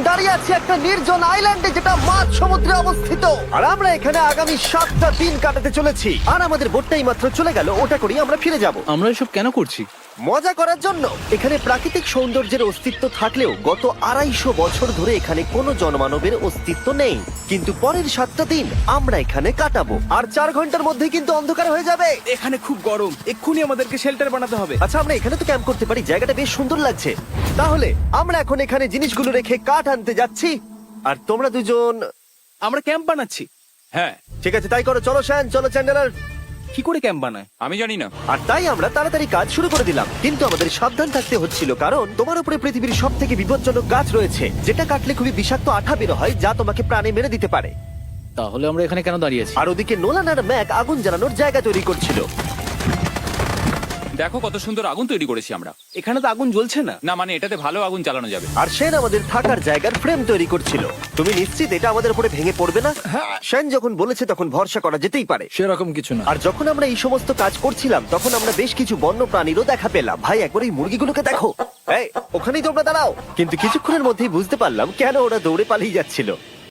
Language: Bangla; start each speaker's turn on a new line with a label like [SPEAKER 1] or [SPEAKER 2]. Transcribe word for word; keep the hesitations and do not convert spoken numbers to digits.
[SPEAKER 1] দাঁড়িয়ে আছি একটা নির্জন আইল্যান্ডে যেটা মাঝ সমুদ্রে অবস্থিত, আর আমরা এখানে আগামী সাতটা দিন কাটাতে চলেছি। আর আমাদের বোটটাই মাত্র চলে গেল, ওটা করেই আমরা ফিরে যাব
[SPEAKER 2] আমরা এসব কেন করছি?
[SPEAKER 1] মজা করার জন্য। এখানে প্রাকৃতিক সৌন্দর্যের অস্তিত্ব থাকলেও গত আড়াইশো বছর ধরে এখানে কোনো জনমানবের অস্তিত্ব নেই। কিন্তু পরের সাতটা দিন আমরা এখানে কাটাবো, আর চার ঘন্টার মধ্যে কিন্তু অন্ধকার হয়ে যাবে।
[SPEAKER 3] এখানে খুব গরম, এক্ষুনি আমাদেরকে শেল্টার বানাতে হবে।
[SPEAKER 1] আচ্ছা, আমরা এখানে তো ক্যাম্প করতে পারি, জায়গাটা বেশ সুন্দর লাগছে। তাহলে আমরা এখন এখানে জিনিসগুলো রেখে কাঠ আনতে যাচ্ছি, আর তোমরা দুজন।
[SPEAKER 3] আমরা ক্যাম্প বানাচ্ছি।
[SPEAKER 4] হ্যাঁ,
[SPEAKER 1] ঠিক আছে, তাই করো। চলো শ্যান, চলো চ্যান্ডেলার।
[SPEAKER 3] কি করে ক্যাম্প বানায়?
[SPEAKER 4] আমি জানি না।
[SPEAKER 1] আর তাই আমরা তাড়াতাড়ি কাজ শুরু করে দিলাম, কিন্তু আমাদের সাবধান থাকতে হচ্ছিল, কারণ তোমার উপরে পৃথিবীর সব থেকে বিপজ্জনক গাছ রয়েছে, যেটা কাটলে খুবই বিষাক্ত আঠা বের হয়, যা তোমাকে প্রাণে মেরে দিতে পারে।
[SPEAKER 2] তাহলে আমরা এখানে কেন দাঁড়িয়ে আছি?
[SPEAKER 1] আর ওদিকে নোলান আর ম্যাক আগুন জ্বালানোর জায়গা তৈরি করছিল।
[SPEAKER 4] দেখো কত সুন্দর আগুন তৈরি করেছি আমরা।
[SPEAKER 3] এখানে তো আগুন জ্বলছে না।
[SPEAKER 4] না মানে এটাতে ভালো আগুন জ্বালানো যাবে।
[SPEAKER 1] আর সেন আমাদের থাকার জায়গার ফ্রেম তৈরি করছিল। তুমি নিশ্চিত এটা আমাদের উপরে ভেঙে পড়বে না? সেন যখন বলেছে তখন ভরসা করা যেতেই পারে।
[SPEAKER 2] সেরকম কিছু না।
[SPEAKER 1] আর যখন আমরা এই সমস্ত কাজ করছিলাম তখন আমরা বেশ কিছু বন্য প্রাণীরও দেখা পেলাম। ভাই, একবার এই মুরগিগুলোকে দেখো। এই, ওখানেই তোমরা দাঁড়াও। কিন্তু কিছুক্ষণের মধ্যেই বুঝতে পারলাম কেন ওরা দৌড়ে পালিয়ে যাচ্ছিল।